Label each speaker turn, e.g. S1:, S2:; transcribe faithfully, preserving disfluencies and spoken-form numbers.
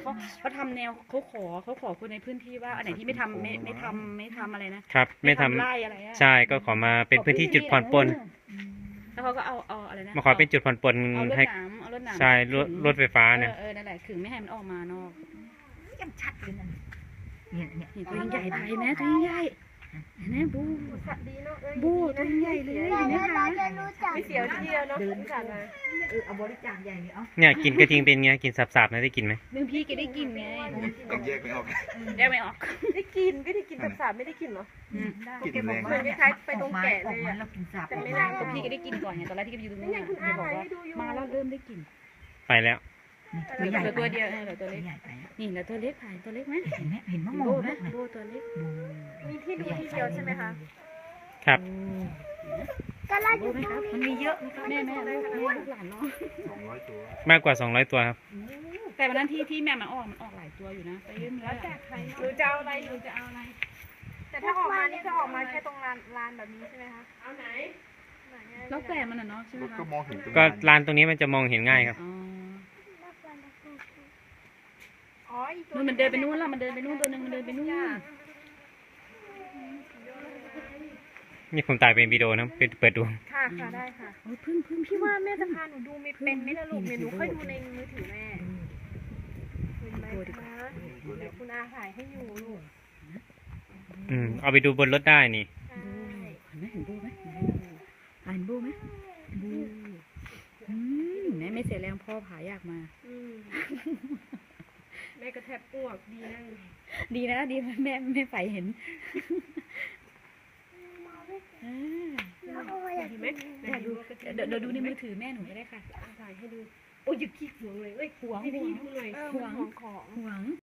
S1: เขาเขาทำแนวเขาขอเขาขอคนในพื้นที่ว่าอันไหนที่ไม่ทำไม่ไม่ทำไม่ทำอะไรนะครับ
S2: ไม่ทำ
S1: ไร่อะไรอะ
S2: ใช่ก็ขอมาเป็นพื้นที่จุดผ่อนปลน
S1: แล้วเขาก็เอาเอาอะไรนะ
S2: มาขอเป็นจุดผ่อนปลน
S1: เอารถ
S2: ให้
S1: หนามเอารถหนาม
S2: ใช่รถ
S1: ขึง
S2: รถไฟฟ้าเนี่ย
S1: เออเออนั่นแหละขึงไม่ให้มันออกมานอก
S3: ยังชัดเลยนั่นเนี่ยเนี่ย
S1: นี่ตัวใหญ่ไปแม่ตัวใหญ่แม่บู
S4: ดีเนาะเอ้ย
S1: บูตัวใหญ่เลยเห็นไหมคะ
S4: ไม่เสียวที่เดียวเนาะ
S3: เดิน
S4: ที่ผ่านมา
S3: เออเอาบริจาคใหญ่เลยเอา
S2: เนี่ยกินกระทิงเป็นไงกินสับๆนะได้กินไหม
S1: บางพี่ก็ได้กินไง
S5: ต้องแยกไม่ออก
S1: แยกไม่ออก
S4: ได้กินไม่ได้กินแบบสาบไม่ได้กินเหรอ
S1: อืม
S5: กินแรง
S4: เหมือนคล้ายๆไปตรงแกะเลยอะ
S3: เรากินสับ
S4: แต่ไม่ได้
S1: แต่พี่ก็ได้กินก่อนไงตอนแรกที่ก็อยู่ตรงนู้นเขาบอกว่ามาแล้วเริ่มได้กิน
S2: ไปแล้ว
S1: เหลือตัวเดียวเหลือตัว
S3: ตัว
S1: เล็ก
S3: ใหญ่ไป
S1: นี่เหลือตัวเล็กถ่ายตัวเล็กไหม
S3: เห็นไหมเห็นมะ
S1: โบ
S3: ม่วง
S1: ไหม
S3: นะ
S1: โบตัวเล็ก
S4: มีที่ดูที่เดียวใช่ไหมคะ
S2: ครับ
S1: โบไหมครับมันมีเยอะแม่แม่ลูกแม่ลูกหลานน้อง
S5: สองร้อยตัว
S2: มากกว่าสองร้อยตัวครับ
S1: แต่วันนั้นที่ที่แม่มันออกมันออกหลายตัวอยู่นะไปยื่นแล้วแต่ใคร
S4: หรือจะเอาอะไร
S1: หนูจะเอาอะไร
S4: แต่ถ้าออกมานี่จะออกมาแค่ตรงลานลานแบบนี้ใช่ไหมคะเอาไหน
S1: แล้วแต่มันอ่ะเนาะใช่ไหม
S5: ก็
S1: คะ
S5: มองเห็นตรง
S2: ก็ลานตรงนี้มันจะมองเห็นง่ายครับ
S1: อ๋อ
S4: อ๋ออีกตัว
S1: นู่นมันเดินไปนู่นแล้วมันเดินไปนู่นตัวนึงมันเดินไปนู่น
S2: นี่ผมถ่ายเป็นวิดีโอนะเปิดดู
S4: ค่ะค่ะได้ค่ะ
S1: โอ้ยพึ่งพึ่ง
S4: พี่ว่าแม่จะพาหนูดูไม่เป็นไหม่ละลูกเนี่ยหนูค่อยดูในมือถือแม่เห็นไหมคะเดี๋ยวคุณอาถ่ายให้อยู่ลูก
S2: อืมเอาไปดูบนรถได้นี่
S4: ใช่
S1: เห็นไหมเห็นบูไหมเห็นบูไหมบูอืมแม่ไม่เสียแรงพ่อผายากมา
S4: อืมแม่ก็แทบอ้วกดีนะ
S1: ดีนะดีแม่แม่ไฟเห็นอ่า
S4: เห็นไหม
S1: เดี๋ยวดูเดี๋ยวเดี๋ยวดูในมือถือแม่หนูก็ได้ค่ะ
S4: ถ่ายให้ดูโอ้ยอย่าขี้หวงเลยเอ้ย
S1: หวง
S4: พี่
S1: หว
S4: พี่
S1: ง
S4: ดูหน่อย
S1: หวง
S4: ของของ
S1: หวง